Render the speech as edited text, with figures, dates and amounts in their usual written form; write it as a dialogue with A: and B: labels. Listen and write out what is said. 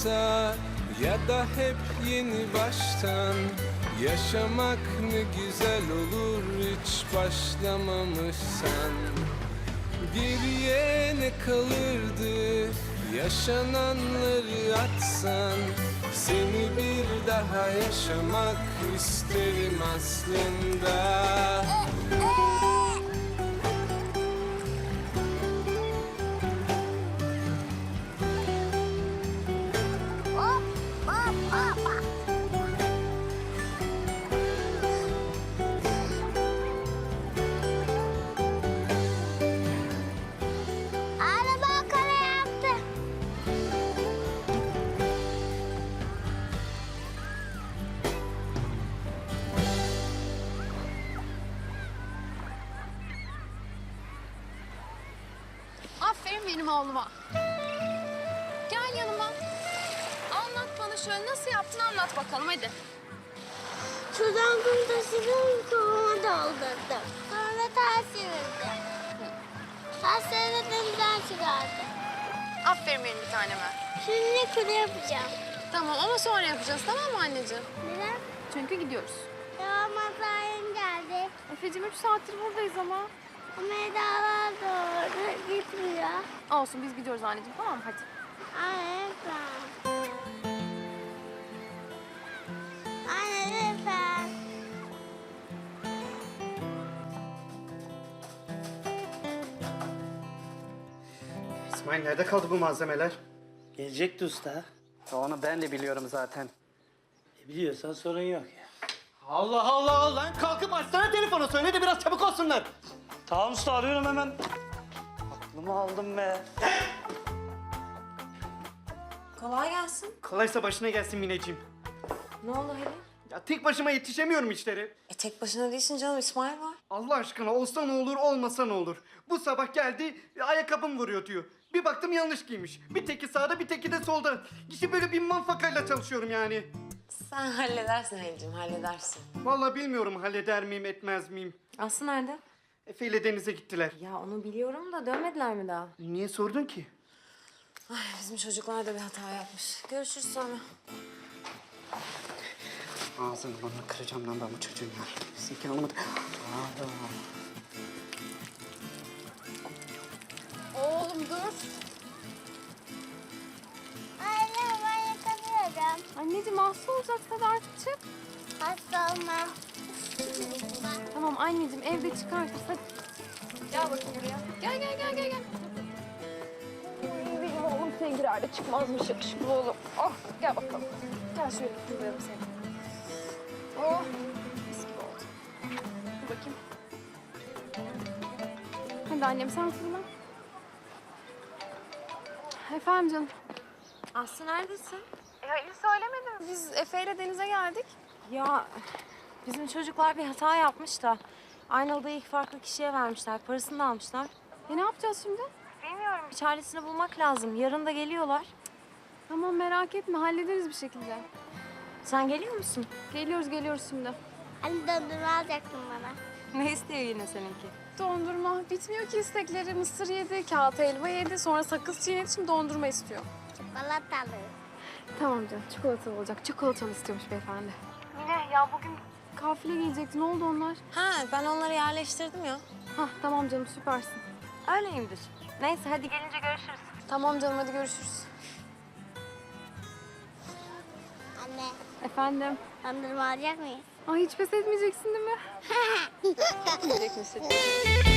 A: kısa ya da hep yeni baştan yaşamak ne güzel olur hiç başlamamışsan. Geriye ne kalırdı yaşananları atsan, seni bir daha yaşamak isterim aslında.
B: Araba kare yaptı.
C: Aferin benim oğluma. Gel yanıma. Anlat bana şöyle nasıl yaptın anlat bakalım hadi.
B: Sudan kum taşıdım, kovama doldurdum. Sonra ters çevirdim. Taşları denizden çıkardım.
C: Aferin benim bir taneme.
B: Şimdi kule yapacağım.
C: Tamam ama sonra yapacağız tamam mı anneciğim?
B: Neden?
C: Çünkü gidiyoruz.
B: Ya mesaim geldi.
C: Efe'cim 3 saattir buradayız ama.
B: Ama Eda'lar doğru gitmiyor.
C: Olsun biz gidiyoruz anneciğim tamam mı hadi.
B: Anne lütfen. Anne lütfen.
D: İsmail nerede kaldı bu malzemeler?
E: Gelecekti usta.
D: Onu ben de biliyorum zaten.
E: Biliyorsan sorun yok ya.
D: Allah Allah lan kalkıp açsana telefonu söyle de biraz çabuk olsunlar.
E: Tamam usta arıyorum hemen. Aklımı aldım be.
F: Kolay gelsin.
D: Kolaysa başına gelsin Mineciğim.
F: Ne oldu Halil?
D: Ya tek başıma yetişemiyorum işleri.
F: Tek başına değilsin canım, İsmail var.
D: Allah aşkına olsa ne olur olmasa ne olur. Bu sabah geldi ayakkabım vuruyor diyor. Bir baktım yanlış giymiş. Bir teki sağda bir teki de solda. İşte böyle bir manfakayla çalışıyorum yani.
F: Sen halledersin Halil'cim, halledersin.
D: Vallahi bilmiyorum halleder miyim etmez miyim.
F: Aslı nerede?
D: Efe ile denize gittiler.
F: Ya onu biliyorum da dönmediler mi daha?
D: Niye sordun ki?
F: Ay bizim çocuklar da bir hata yapmış. Görüşürüz sonra.
D: Ağzını burnunu kıracağım lan ben bu çocuğun ya. Sizinki anlamadı.
C: Oğlum dur.
B: Anne ben yıkanıyorum.
C: Anneciğim hasta olacaksın hadi artık çık.
B: Hasta olmam.
C: Tamam anneciğim evde çıkartırsın hadi. Gel bakayım buraya. Gel gel gel gel gel. Oy, benim oğlum Sengirer'de çıkmazmış yakışıklı oğlum. Oh gel bakalım. Gel şöyle kutlayalım seni. Oh mis gibi oldu. Dur bakayım. Hadi annem sen fırla. Efendim canım.
F: Aslı neredesin?
C: Halil söylemedim. Biz Efe ile denize geldik.
F: Ya bizim çocuklar bir hata yapmış da Aynalı'da ilk farklı kişiye vermişler. Parasını da almışlar.
C: Ne yapacağız şimdi?
F: Bir çaresini bulmak lazım. Yarın da geliyorlar.
C: Tamam merak etme hallederiz bir şekilde.
F: Sen geliyor musun?
C: Geliyoruz şimdi.
B: Anne dondurma alacaktın bana.
F: Ne istiyor yine seninki?
C: Dondurma. Bitmiyor ki istekleri. Mısır yedi, kağıt helva yedi, sonra sakız çiğnedi, şimdi dondurma istiyor.
B: Çikolatalı.
C: Tamam canım, çikolatalı olacak. Çikolatalı istiyormuş beyefendi. Yine ya bugün kafile gelecekti. Ne oldu onlar?
F: Ha ben onları yerleştirdim ya.
C: Hah tamam canım, süpersin.
F: Öyleyimdir. Neyse hadi gelince görüşürüz.
C: Tamam canım, hadi görüşürüz.
B: Anne
C: Efendim?
B: dondurma alacak mıyız?
C: Ay hiç pes etmeyeceksin değil mi? Etmeyecek misin?